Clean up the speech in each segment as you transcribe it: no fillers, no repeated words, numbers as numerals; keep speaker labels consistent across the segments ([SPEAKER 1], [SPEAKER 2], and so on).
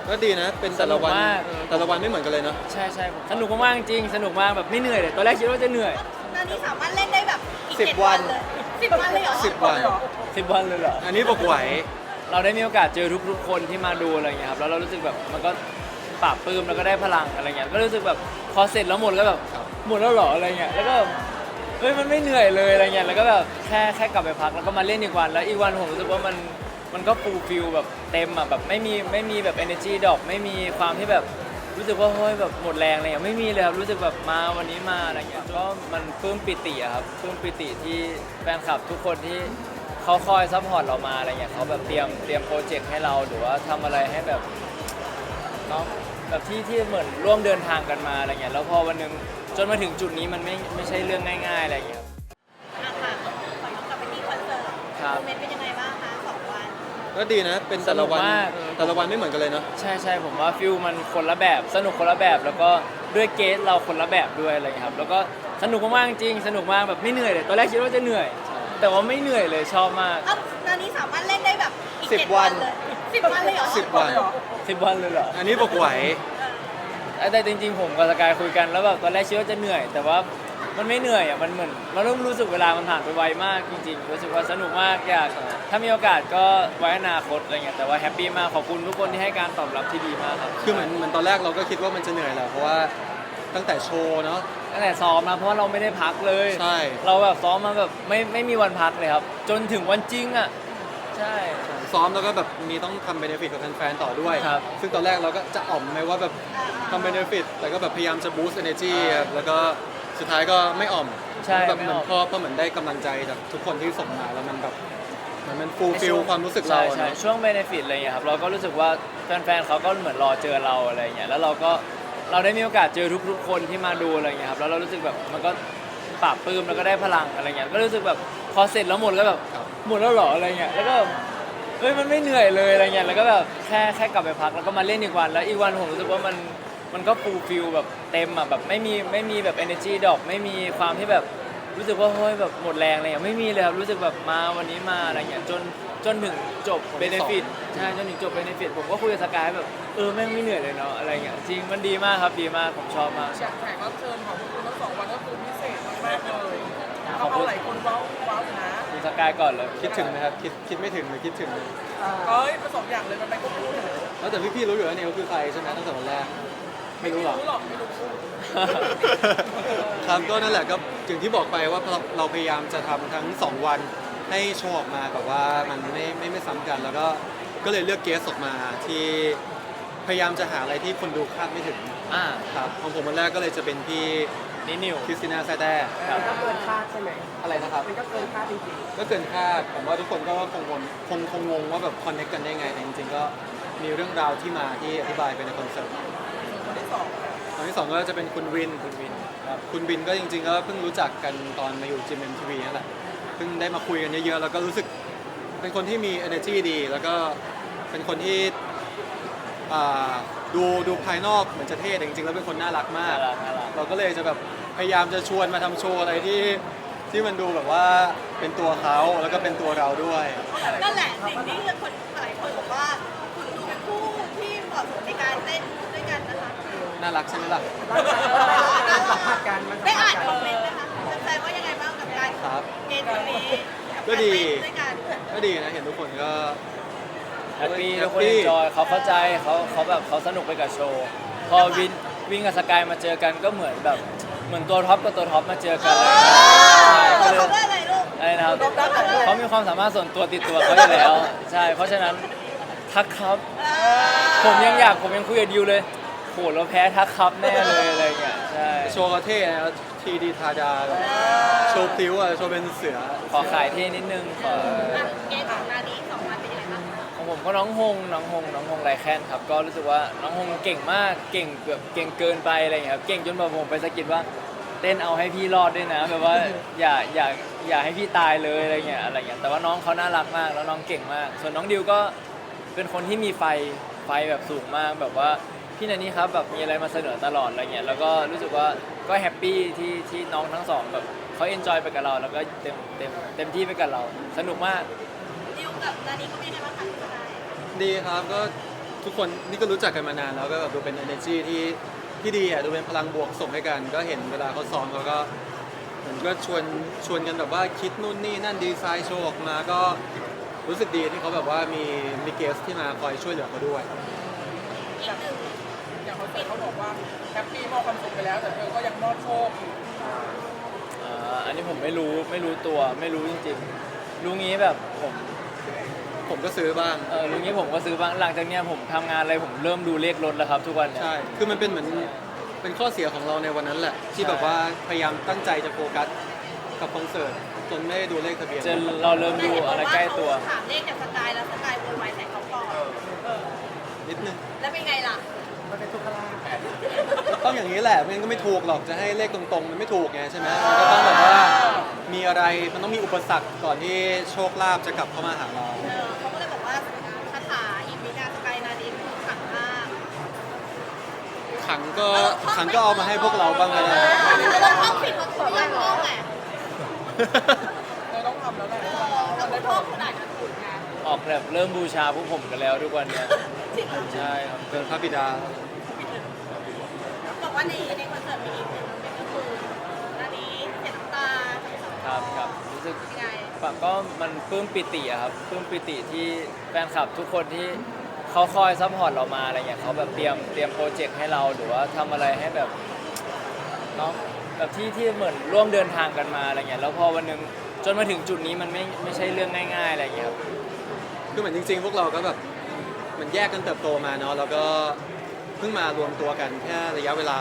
[SPEAKER 1] ก็ดีนะเป็นแต่ละวันไม่เหมือนกันเลยเนาะ
[SPEAKER 2] ใช่ใช่สนุกมากๆจริงสนุกมากแบบไม่เหนื่อยเลยตอนแรกคิดว่าจะเหนื่อย
[SPEAKER 3] ตอนนี้สามารถเล่นได้แบบอีก
[SPEAKER 1] 10
[SPEAKER 3] 7 วันเลย10 วันเลยเหรอ
[SPEAKER 1] 10 วัน
[SPEAKER 2] 10 วันเลยเหรอ
[SPEAKER 1] อันนี้บอกไหว
[SPEAKER 2] เราได้มีโอกาสเจอทุกๆคนที่มาดูอะไรเงี้ยครับแล้วเรารู้สึกแบบมันก็ปราบปลื้มแล้วก็ได้พลังอะไรเงี้ยก็รู้สึกแบบพอเสร็จแล้วหมดก็แบบหมดแล้วเหรออะไรเงี้ยแล้วก็เฮ้ยมันไม่เหนื่อยเลยอะไรเงี้ยแล้วก็แบบแค่กลับไปพักแล้วก็มาเล่นอีกวันแล้วอีกวันผมรู้สึกว่ามันก็ฟูลฟิลแบบเต็มอ่ะแบบไม่มีแบบ energy ดรอปไม่มีความที่แบบรู้สึกว่าเฮ้ยแบบหมดแรงอะไรอย่างไม่มีเลยครับรู้สึกแบบมาวันนี้มาอะไรเงี้ยก็มันปลื้มปิติอะครับปลื้มปิติที่แฟนคลับทุกคนที่เขาคอยซัพพอร์ตเรามาอะไรเงี้ยเขาแบบเตรียมโปรเจกต์ให้เราหรือว่าทำอะไรให้แบบเนาะแบบที่เหมือนร่วมเดินทางกันมาอะไรเงี้ยแล้วพอวันหนึงจนมาถึงจุดนี้มันไม่ใช่เรื่องง่ายๆอะไรเงี้ย
[SPEAKER 3] อ่ะค่ะขอย้อนกลับไปที่คอนเสิร์ต
[SPEAKER 2] ครับ
[SPEAKER 3] โมเมนต์เป็นยังไงบ้างคะ2 วัน
[SPEAKER 1] ก็ดีนะเป็นแต่ละวัน
[SPEAKER 2] สนุกมาก
[SPEAKER 1] ไม่เหมือนกันเลยเนาะ
[SPEAKER 2] ใช่ใช่ผมว่าฟิลมันคนละแบบสนุกคนละแบบแล้วก็ด้วยเกสเราคนละแบบด้วยอะไรอย่างเงี้ยครับแล้วก็สนุกมากๆจริงสนุกมากแบบไม่เหนื่อยเลยตอนแรกคิดว่าจะเหนื่อย แต่ว่าไม่เหนื่อยเลยชอบมาก
[SPEAKER 3] เอ้าตอนนี้สามารถเล่นได้แบบอีก
[SPEAKER 1] 10
[SPEAKER 3] 7 วันเลย10 วันเลยเหรอ
[SPEAKER 1] 10 วัน
[SPEAKER 2] 10 วันเลยเหรอ
[SPEAKER 1] อันนี้บอกไหว
[SPEAKER 2] แต่จริงๆผมกับสกายคุยกันแล้วแบบตอนแรกคิดว่าจะเหนื่อย แต่ว่ามันไม่เหนื่อยอ่ะมันเหมือนมันเริ่มรู้สึกเวลามันผ่านไปไวมากจริงๆรู้สึกว่าสนุกมากอยากถ้ามีโอกาสก็ไว้อนาคตอะไรเงี้ยแต่ว่าแฮปปี้มากขอบคุณทุกคนที่ให้การตอบรับที่ดีมากครับ
[SPEAKER 1] คือเหมือนตอนแรกเราก็คิดว่ามันจะเหนื่อยแหละเพราะว่าตั้งแต่โชว์เนาะ
[SPEAKER 2] ตั้งแต่ซ้อมนะเพราะว่าเราไม่ได้พักเลย
[SPEAKER 1] ใช่
[SPEAKER 2] เราแบบซ้อมมาแบบไม่มีวันพักเลยครับ จนถึงวันจริงอ่ะใช่
[SPEAKER 1] ซ้อมแล้วก็แบบมีต้องทำเบเนฟิตกับแฟนๆต่อด้วย
[SPEAKER 2] ครับ
[SPEAKER 1] ซึ่งตอนแรกเราก็จะอ่อมไหมว่าแบบทำเบเนฟิตแต่ก็แบบพยายามจะบูสต์ energy ครับแล้วก็สุดท้ายก็ไม่อ่อม
[SPEAKER 2] ใช่
[SPEAKER 1] แบบ
[SPEAKER 2] ไม่
[SPEAKER 1] เหมือน
[SPEAKER 2] ออก
[SPEAKER 1] พอเหมือนได้กำลังใจจากทุกคนที่ส่งมาแล้วมันแบบมันฟูลฟิลความรู้สึกเรา
[SPEAKER 2] ใช่
[SPEAKER 1] อะ
[SPEAKER 2] ใช่
[SPEAKER 1] เนาะ
[SPEAKER 2] ช่วงเบเนฟิตอะไรเงี้ยครับเราก็รู้สึกว่าแฟนๆเขาก็เหมือนรอเจอเราอะไรเงี้ยแล้วเราได้มีโอกาสเจอทุกๆคนที่มาดูอะไรเงี้ยครับแล้วเรารู้สึกแบบมันก็ปราบปลื้มแล้วก็ได้พลังอะไรเงี้ยก็รู้สึกแบบพอเสร็จแล้วหมดก็แบบหมดแล้วเหรออะไรเงี้ยแล้วก็เฮ้ยมันไม่เหนื่อยเลยอะไรเงี้ยแล้วก็แบบแค่กลับไปพักแล้วก็มาเล่นอีกวันแล้วอีกวันผมรู้สึกว่ามันก็ฟูลฟิลแบบเต็มอ่ะแบบไม่มีแบบ energy ดรอปไม่มีความที่แบบรู้สึกว่าเฮ้ยแบบหมดแรงอะไรอย่างไม่มีเลยครับรู้สึกแบบมาวันนี้มาอะไรเงี้ยจนถึงจบเบนฟิตใช่จนถึงจบเบนฟิตผมก็คุยกับสกายแบบแม่งไม่เหนื่อยเลยเนาะอะไรเงี้ยจริงมันดีมากครับดีมากผมชอบมาก
[SPEAKER 4] แขกรับเชิญของคุณทั้ง2 วันก็คือพิเศษมากๆเลย
[SPEAKER 2] ขอบคุณ
[SPEAKER 4] หลายคนว้าวอยู่นะ
[SPEAKER 2] คุณสกายก่อนเลย
[SPEAKER 1] คิดถึงไหมครับคิดไม่ถึงหรือคิดถึง
[SPEAKER 4] เอ้ยผสมอย่างเลยมันไปควบคู่เลย
[SPEAKER 1] แล้วแต่พี่ๆรู้อยู่แล้วเนี่ยว่าคือใครใช่ไหมตั้งแต่วันแรกไม่รู้หรอก
[SPEAKER 4] รู้หรอกไม่รู้
[SPEAKER 1] ครับก็นั่นแหละก็อย่างที่บอกไปว่าเราพยายามจะทำทั้ง 2 วันให้โชว์ออกมาแบบว่ามันไม่ซ้ำกัน แล้วก็เลยเลือกเกสออกมาที่พยายามจะหาอะไรที่คนดูคาดไม่ถึง
[SPEAKER 2] อ่า
[SPEAKER 1] ครับของผมวันแรกก็เลยจะเป็นพี่
[SPEAKER 2] นี่นิว
[SPEAKER 1] คริสติน่าแซ่แต้
[SPEAKER 2] ครับ
[SPEAKER 4] ก็เกินคาดใช่ไหม
[SPEAKER 1] อะไรนะครับ
[SPEAKER 4] มันก็เกินคาดจริง
[SPEAKER 1] ก็เกินคาดผมว่าทุกคนก็คงงงว่าแบบคอนเนคกันได้ไงแต่จริงๆก็มีเรื่องราวที่มาที่อธิบายไปในคอนเสิร์ต
[SPEAKER 4] ๆคนที่สอง
[SPEAKER 1] ตอนที่สองก็จะเป็นคุณวิน
[SPEAKER 2] ครับ
[SPEAKER 1] คุณบินก็จริงๆก็เพิ่งรู้จักกันตอนมาอยู่ GMMTV นั่นแหละเพิ่งได้มาคุยกันเยอะๆแล้วก็รู้สึกเป็นคนที่มี energy ดี แล้วก็เป็นคนที่อ่าดูภายนอกเหมือนจะเท่แต่จริงๆแล้วเป็นคนน่ารักมา
[SPEAKER 2] น่าก รักน่ารัก
[SPEAKER 1] เราก็เลยจะแบบพยายามจะชวนมาทำโชว์อะไรที่มันดูแบบว่าเป็นตัวเขาแล้วก็เป็นตัวเราด้วย
[SPEAKER 3] นั่นแหละสิ่งที่คนหลายคนบอกว่าคุณดูเป็นคู่ที่เหมาะสมในการเต้นด้วยกันนะคะ
[SPEAKER 1] น่ารักใช่ไหมล่ะ
[SPEAKER 4] มันสัมผัสกันมันสั
[SPEAKER 3] ได้
[SPEAKER 4] มผั
[SPEAKER 3] อ่า
[SPEAKER 4] ส
[SPEAKER 3] น
[SPEAKER 4] กั
[SPEAKER 3] คอมเมนต์ไหมคะแฟนๆว่ายังไงบ้างกับการ
[SPEAKER 1] ครับ
[SPEAKER 3] เกณฑ์ตัวนี้กับ
[SPEAKER 1] ก็
[SPEAKER 3] การ
[SPEAKER 1] ดี
[SPEAKER 3] เต้นด้วยกัน
[SPEAKER 1] ก็ดีนะเห็นทุกคนก็
[SPEAKER 2] แฮปปี้
[SPEAKER 1] แฮ
[SPEAKER 2] ทุ
[SPEAKER 1] ป
[SPEAKER 2] กคน
[SPEAKER 1] ปี้
[SPEAKER 2] เอนจอยเขาเข้าใจเขาแบบเขาสนุกไปกับโชว์พอวินกับสกายมาเจอกันก็เหมือนแบบเหมือนตัวท็อปกับตัวท็อปมาเจอกันอะไรอย่างเงี้ยใช่
[SPEAKER 3] เรา
[SPEAKER 2] ก็เลย
[SPEAKER 3] ทำได้อะไรลูก
[SPEAKER 2] อะไรนะครับเขามีความสามารถส่วนตัวติดตัวเขาอยู่แล้วใช่เพราะฉะนั้นทักครับ ผมยังคุยกับดิวเลยโหเราแพ้ทักครับแน่เลยอะไรเงี้ยใช่
[SPEAKER 1] โชว์เขาเท่นะทีดีทาดาแบบโชว์พลิ้วอะโชว์เป็นเสือ
[SPEAKER 2] ขอขายเท่นิดนึงขอ
[SPEAKER 3] เกณฑ์ของนานี้2 วันเป็นยังไงบ้าง
[SPEAKER 2] ของผมก็น้องฮงไรแคนครับก็รู้สึกว่าน้องฮงเก่งมากเก่งแบบเก่งเกินไปอะไรเงี้ยครับเก่งจนแบบผมไปสะกิดว่าเต้นเอาให้พี่รอดด้วยนะแบบว่าอย่าให้พี่ตายเลยอะไรเงี้ยแต่ว่าน้องเขาน่ารักมากแล้วน้องเก่งมาก ส่วนน้องดิวก็เป็นคนที่มีไฟแบบสูงมากแบบว่าพี่นันนี่ครับแบบมีอะไรมาเสนอตลอดอะไรเงี้ยแล้วก็รู้สึกว่าก็แฮปปี้ที่น้องทั้งสองแบบเขาเอนจอยไปกับเราแล้วก็เต็มที่ไปกับเราสนุกมาก
[SPEAKER 3] ดิวกับนานี้ก็เป็นยังไงบ้างคะคุณสกาย
[SPEAKER 1] ดีครับก็ทุกคนนี่ก็รู้จักกันมานานแล้วก็แบบดูเป็น energy ที่ดีอ่ะดูเป็นพลังบวกส่งให้กันก็เห็นเวลาเขาซ้อมเขาก็เหมือนก็ชวนกันแบบว่าคิดนู่นนี่นั่นดีไซน์โชว์ออกมาก็รู้สึกดีที่เขาแบบว่ามีเกสที่มาคอยช่วยเหลือเขาด้วย
[SPEAKER 3] อีกหนึ่ง
[SPEAKER 4] อย่างเขาบอกว่าแฮปปี้มอบความสุขไปแล้วแต่เธอก็ยังมอบโชคอยู่
[SPEAKER 2] อันนี้ผมไม่รู้ตัวไม่รู้จริงๆรู้งี้แบบ
[SPEAKER 1] ผมก็ซื้อบ้าง
[SPEAKER 2] รู้งี้ผมก็ซื้อบ้างหลังจากเนี้ยผมทำงานอะไรผมเริ่มดูเลขรถแล้วครับทุกวันเนี่ย
[SPEAKER 1] ใช่คือมันเป็นเหมือนเป็นข้อเสียของเราในวันนั้นแหละ ที่
[SPEAKER 2] ใช่
[SPEAKER 1] แบบว่าพยายามตั้งใจจะโฟกัสกับคอนเสิร์ตจนไม่ได้ดูเลขทะเบียน
[SPEAKER 2] จนเราเริ่มดูอะไรใกล้ตัว
[SPEAKER 3] ถามเลขจากสกายแล้วสกายโวยวายใส่เขาก่อน
[SPEAKER 1] นิดนึง
[SPEAKER 3] แล้วเป็นไงล่ะ
[SPEAKER 1] ต้องอย่างนี้แหละไม่งั้นก็ไม่ถูกหรอกจะให้เลขตรงๆมันไม่ถูกไงใช่ไหมมันก็ต้องแบบว่ามีอะไรมันต้องมีอุปสรรคก่อนที่โชคลาภจะกลับเข้ามาหาเรา
[SPEAKER 3] เขาก็เลยบอกว่าคาถาอีกวิกาสกายนาดินคือขังมาก
[SPEAKER 1] ขังก็เอามาให้พวกเราบ้างก็ได้
[SPEAKER 3] เราท่องผิดมาถูกยังท่องไง
[SPEAKER 4] เธอต้องทำแล้วแหละ
[SPEAKER 3] ถ้าคุณท่องขนาดนั้นถูกไง
[SPEAKER 2] ออกแบบเริ่มบูชาพวกผมกันแล้วทุกวันเนี่ยใช่ครับ
[SPEAKER 1] เกินพระบิดา
[SPEAKER 3] บอกว่าในคอนเสิร์ตมีอีกหนึ่งเป็นก็คือนาดีเสียน้ำตา
[SPEAKER 2] ครับรู้สึก
[SPEAKER 3] ยังไง
[SPEAKER 2] ก็มันปลื้มปิติอะครับปลื้มปิติที่แฟนคลับทุกคนที่เขาคอยซัพพอร์ตเรามาอะไรเงี้ยเขาแบบเตรียมโปรเจกต์ให้เราหรือว่าทำอะไรให้แบบเนาะแบบที่เหมือนร่วมเดินทางกันมาอะไรเงี้ยแล้วพอวันหนึงจนมาถึงจุดนี้มันไม่ใช่เรื่องง่ายๆอะไรเงี้ยครับ
[SPEAKER 1] คือเหมือนจริงๆ พวกเราก็แบบเหมันแยกกันเติบโตมาเนาะแล้วก็เพิ่งมารวมตัวกันแค่ระยะเวลา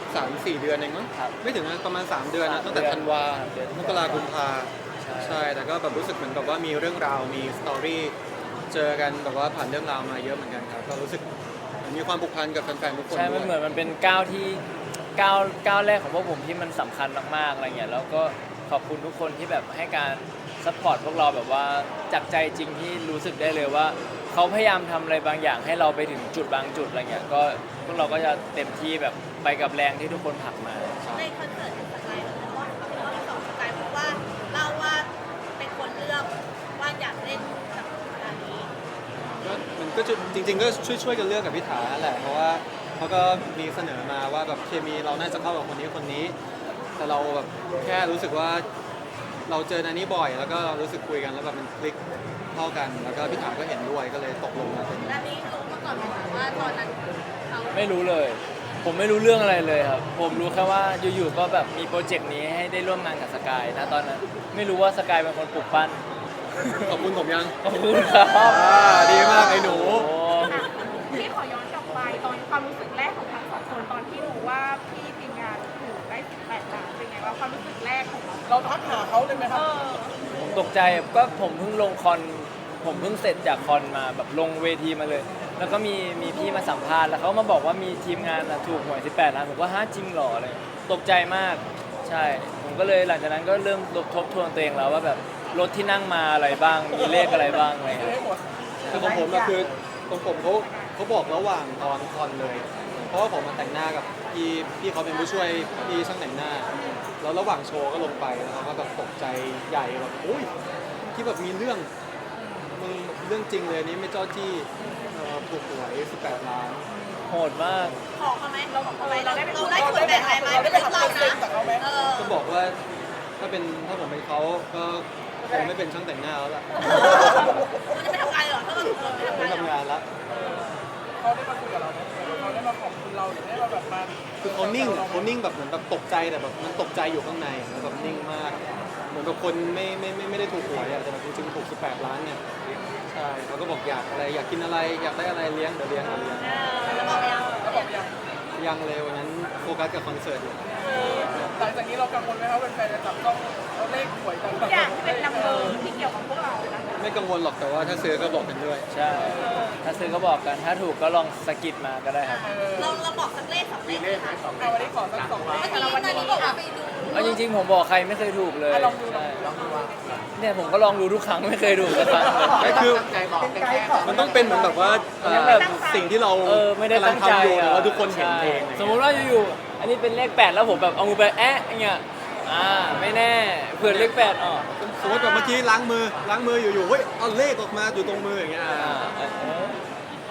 [SPEAKER 1] 3-4 เดือนเองมั้ง
[SPEAKER 2] ครับ
[SPEAKER 1] ไม่ถึงนะประมาณ 3 เดือนนะ
[SPEAKER 2] 3
[SPEAKER 1] ตั้งแต่ธันวา
[SPEAKER 2] เดือน
[SPEAKER 1] มกราคมกุมภา
[SPEAKER 2] ใช่
[SPEAKER 1] ใช่แต่ก็แบบรู้สึกเหมือนกับว่ามีเรื่องราวมีสตอรี่เจอกันแบบว่าผ่านเรื่องราวมาเยอะเหมือนกันครับก็รู้สึกมีความผูกพันกับแฟนๆทุกคน
[SPEAKER 2] ใช่
[SPEAKER 1] ด้
[SPEAKER 2] มั
[SPEAKER 1] วน
[SPEAKER 2] เหมื
[SPEAKER 1] ย
[SPEAKER 2] อนมันเป็นก้าวที่ก้าวแรกของพวกผมที่มันสำคัญมากๆอะไรเงี้ยแล้วก็ขอบคุณทุกคนที่แบบให้การซัพพอร์ตพวกเราแบบว่าจากใจจริงที่รู้สึกได้เลยว่าเขาพยายามทำอะไรบางอย่างให้เราไปถึงจุดบางจุดอะไรเงี้ยก็พวกเราก็จะเต็มที่แบบไปกับแรงที่ทุกคนผลักมา
[SPEAKER 3] ในคอนเสิร์ตสกายแล้วก็สองสกายเพราะว่าเล่าว่าเป็นคนเลือกว่าอยากเล่นกับนาดี
[SPEAKER 1] ก็มันก็จะจริงๆก็ช่วยกันเลือกกับพิธาแหละเพราะว่าเขาก็มีเสนอมาว่าแบบเคมีเราน่าจะเข้ากับคนนี้แต่เราแบบแค่รู้สึกว่าเราเจอนันนี้บ่อย แล้วก็เรารู้สึกคุยกันแล้วแบบมันคลิกเข้ากันแล้วก็พิธาก็เห็นด้วยก็เลยตกลงมาเป็น
[SPEAKER 3] นาดีรู้มาก่อนไหมคะว่าตอนนั้นเขา
[SPEAKER 2] ไม่รู้เลย ผมไม่รู้เรื่องอะไรเลยครับ ผมรู้แค่ว่าอยู่ๆก็แบบมีโปรเจกต์นี้ให้ได้ร่วมงานกับสกายนะตอนนั้น ไม่รู้ว่าสกายเป็นคนปลุกปั้น
[SPEAKER 1] ขอบคุณผมยัง
[SPEAKER 2] ขอบคุณครับ
[SPEAKER 1] ดีมากไอ้หนู
[SPEAKER 2] โอ้
[SPEAKER 5] พี่ขอย้อนกลับไปตอนความรู้สึกแรกของทั้งสองคนตอนที่รู้ว่าพี่ทีมงานถูกได้18 ล้านเป็นไงว่าความรู้สึกแรกของเรา
[SPEAKER 4] เราทักหาเขาเลยไหมครับ
[SPEAKER 2] ผมตกใจก็ผมเพิ่งลงคอนผมเพิ่งเสร็จจากคอนมาแบบลงเวทีมาเลย แล้วก็มีพี่มาสัมภาษณ์แล้วเขามาบอกว่ามีทีมงานถูกหวย18 ล้านผมก็ฮะจริงเหรออะไรตกใจมากใช่ ผมก็เลยหลังจากนั้นก็เริ่มทบทวนตัวเองแล้วว่าแบบรถที่นั่งมาอะไรบ้าง มีเลขอะไรบ้างอะไร
[SPEAKER 4] ซื้อ
[SPEAKER 2] เงี้ย
[SPEAKER 4] ให้หมด
[SPEAKER 1] คือของผมอะคือของผมเขาบอกระหว่างตอนคอนเลย เพราะว่าผมมาแต่งหน้ากับพี่เขาเป็นผู้ช่วยพี่ช่างแต่งหน้า แล้วระหว่างโชว์ก็ลงไปแล้วเขาก็แบบตกใจใหญ่แบบโอ้ยที่แบบมีเรื่องมึงเรื่องจริงเลยอันนี้ไม่เจ้าจี้ถูกหวย18 ล้าน
[SPEAKER 2] โหดมาก
[SPEAKER 3] ขอเขาไหมเราขอเขาไหมเราได้ส่วนแบ่งอะไรไหมเป็นเรื่องเรานะ
[SPEAKER 1] ก็บอกว่าถ้าผมเป็นเขาก็คงไม่เป็นช่างแต่งหน้าแล้วล่ะ
[SPEAKER 3] มันจะไปทำงานเหรอถ้าเราไปทำ
[SPEAKER 1] ไม่
[SPEAKER 3] งานเหรอง
[SPEAKER 1] ทำานแล้ว
[SPEAKER 4] เขาได้มาคุยกับเราไหมเขาได้มาขอบคุณเราหรือได้มาแบบมา
[SPEAKER 1] คือเขานิ่งแบบเหมือนแบบตกใจแต่แบบมันตกใจอยู่ข้างในแล้วแบบนิ่งมาก เหมือนกับคนไม่ได้ถูกหวยอะแต่แบบจริงๆถูก18 ล้านเนี่ยใช่เขาก็บอกอยากอะไรอยากกินอะไรอยากได้อะไรเลี้ยงเดี๋ยวเลี้ยง
[SPEAKER 3] แล้วบอกไปยัง
[SPEAKER 4] แล้วบอกยัง
[SPEAKER 1] ยังเลยวันนั้นโฟกัสกับคอนเสิร์ตอยู่
[SPEAKER 4] หลังจากนี้เรากังวลไหมครับแฟนๆจะจับต้องเอาเลขหวยกัน
[SPEAKER 5] ทุกอย่างที่เป็นนัมเบอร์ที่เกี่ยวกับพวกเรานะคะ
[SPEAKER 1] ไม่กังวลหรอกแต่ว่าถ้าซื้อก็บอกกันด้วย
[SPEAKER 2] ใช่ ถ้าซื้อก็บอกกัน ถ้าถูกก็ลองสะกิดมาก็ได้ครับ
[SPEAKER 3] เราบอกสักเลขสองเลขค่ะ
[SPEAKER 4] เอาวันนี้ขอสัก2 ล้าน
[SPEAKER 3] เมื่อกี้นาดีบอกว่าไปดู
[SPEAKER 2] เอาจริงๆผมบอกใครไม่เคยถูกเลย
[SPEAKER 4] ลองดู
[SPEAKER 2] ใช่
[SPEAKER 4] ลองดูว่า
[SPEAKER 2] เนี่ยผมก็ลองดูทุกครั้งไม่เคยถูกสักครั้งเลย
[SPEAKER 1] ไม่คือมันต้องเป็นเหมือนแบบว่าสิ่งที่เรา
[SPEAKER 2] ไม่ได้ตั้งใจ
[SPEAKER 1] กำลัทำอยู่แต่
[SPEAKER 2] อ่ะ
[SPEAKER 1] ว่าทุกคนเห็น
[SPEAKER 2] ใช่
[SPEAKER 1] เอง
[SPEAKER 2] สมมุติว่าอยู่ๆอันนี้เป็นเลข 8 แล้วผมแบบเอามือไปแอะอย่างเงี้ยไม่แน่เผื่อเลข 8ออก
[SPEAKER 1] สมมติแบบเมื่อกี้ล้างมืออยู่ๆเฮ้ยเอาเลขออกมาอยู่ตรงมืออย่างเงี้ย
[SPEAKER 2] เออ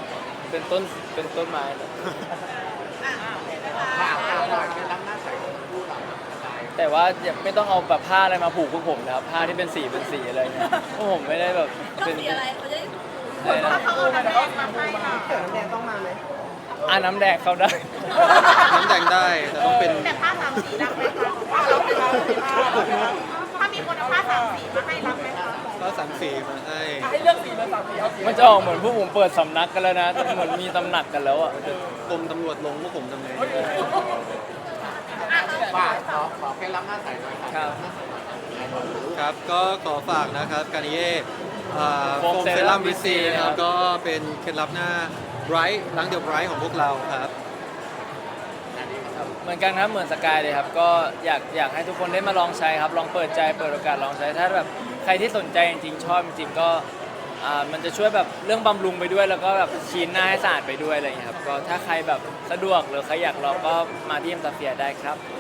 [SPEAKER 2] เป็นต้นเป็นต้นไม้เลย
[SPEAKER 3] อ่ะ
[SPEAKER 4] ข่าว
[SPEAKER 3] อ่ะ
[SPEAKER 4] หน่อยเป็นล้ำหน้าใสของคู่เราสกาย
[SPEAKER 2] แต่ว่าอย่าไม่ต้องเอาแบบผ้าอะไรมาผูกพวกผมนะครับผ้าที่เป็นสีอะไรเงี้ยพวกผมไม่ได้แบบ
[SPEAKER 3] ต้อง
[SPEAKER 2] เป็น
[SPEAKER 3] สีอะไรเขาจะได้ถูก
[SPEAKER 2] อะไรนะ
[SPEAKER 5] เขาเอาน้ำแดงมาให้ค่ะ
[SPEAKER 2] น้ำแดงเข้าได้
[SPEAKER 1] น้ำแดงได้แต่ต้องเป็น
[SPEAKER 5] แต่ผ้าสามสีรับไหมคะถ้ามีคนเอาผ้าสามสีมาให้รับไหมคะ
[SPEAKER 1] ก็สามสีมาให้
[SPEAKER 4] ให้เลือกสีเลยสามสีเอาสี
[SPEAKER 2] มันจะออกเหมือนพวกผมเปิดสำนักกันแล้วนะแต่เหมือนมีตำหนักกันแล้วอ่ะ
[SPEAKER 1] กรมตำรวจลงพวกผมทำไง
[SPEAKER 4] ฝากขอแค่ล้ำหน้าใสหน่อย
[SPEAKER 2] ครับ
[SPEAKER 1] ครับก็ขอฝากนะครับการนิเย่โฟ
[SPEAKER 2] โฟม
[SPEAKER 1] ม
[SPEAKER 2] เซ
[SPEAKER 1] เซ
[SPEAKER 2] รั่
[SPEAKER 1] รั่
[SPEAKER 2] ม
[SPEAKER 1] มวิซี
[SPEAKER 2] VC
[SPEAKER 1] นะค
[SPEAKER 2] ครั
[SPEAKER 1] รับบ ก็เป็นเคล็ดลับหน้าไบรท์ล้างเดียวไบรท์ของพวกเราครับ
[SPEAKER 2] เหมือนกันครับเหมือนสกายเลยครับก็อยากให้ทุกคนได้มาลองใช้ครับลองเปิดใจเปิดโอกาสลองใช้ถ้าแบบใครที่สนใจจริงๆชอบจริงๆก็มันจะช่วยแบบเรื่องบำรุงไปด้วยแล้วก็แบบชีนหน้าให้สะอาดไปด้วยอะไรอย่างเงี้ยครับก็ถ้าใครแบบสะดวกหรือใครอยากลองก็มาที่เอ็มซาเฟียได้ครับ